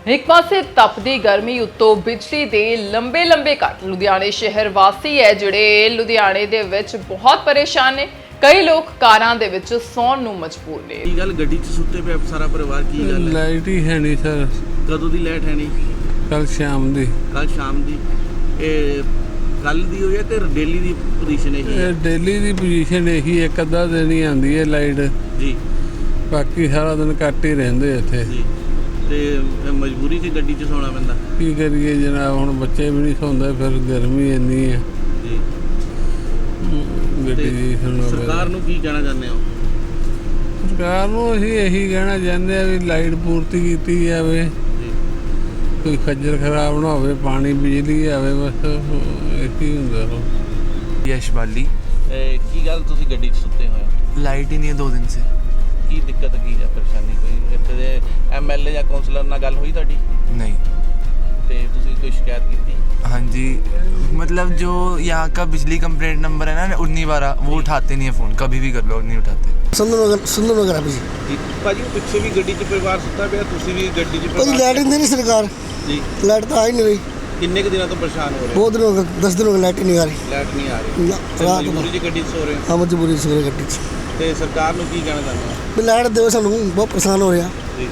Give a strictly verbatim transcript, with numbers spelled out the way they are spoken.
एक पासे तपदी गर्मी उत्तों बिजली दे लंबे लंबे कट लुधियाने शहर वासी है जिहड़े लुधियाने दे विच बहुत परेशान ने। कई लोग कारां दे विच सौण नूं मजबूर ने। की गल गड्डी च सुत्ते पे सारा परिवार की गल है? लाइट ही है नहीं सर। कदों दी लाइट है नहीं? कल शाम दी। कल शाम दी। ए कल दी होई है ते डेली दी पोजीशन है? ये डेली दी पोजीशन यही एक अद्धा दिन ही आंदी है लाइट जी, बाकी सारा दिन कट ही रहिंदे इत्थे जी। ते मजबूरी च गड्डी च सोना पैंदा। की करिए जनाब, हुण बच्चे भी नहीं सौंदे, फिर गर्मी इन्नी है जी। गड्डी दी सुनो। सरकार नूं की कहना चाहते हो? सरकार नूं असीं यही कहना चाहते हैं भी लाइट पूर्ति की जाए, कोई खज्जल खराब ना हो, पानी बिजली आवे, बस यही हुंदा रहो। यश बाली। की गल तुसीं गड्डी च सुत्ते होए हो? लाइट ही नहीं है दो दिन से। की दिक्कत की है, परेशानी कोई इत्थे दे एमएलए या काउंसलर नाल गल हुई तुहाडी? नहीं। ते तुसीं कोई शिकायत की? हाँ जी, मतलब जो यहाँ का बिजली कंप्लेंट नंबर है ना उन्नीस बारह, वो उठाते नहीं है फ़ोन, कभी भी कर लो नहीं उठाते। सुंदर सुंदर नगर है जी भाजी, पिछे भी गड्डी च परिवार सुता पिया, तुसीं भी गड्डी च कोई लाइट नहीं देनी सरकार जी। लाइट तो आ ही नहीं रही। किन्ने के दिनों तो परेशान हो रहे? बहुत दिन हो गए, दस दिन हो गए लाइट ही नहीं आ रही। लाइट नहीं आ रही। ना, रात मजबूरी च गड्डी च सो रहे हो? हाँ मजबूरी से गड्डी ते सरकार नूं की कहना चाहते हो? भी लाइट दो, सानू बहुत परेशान हो रहा।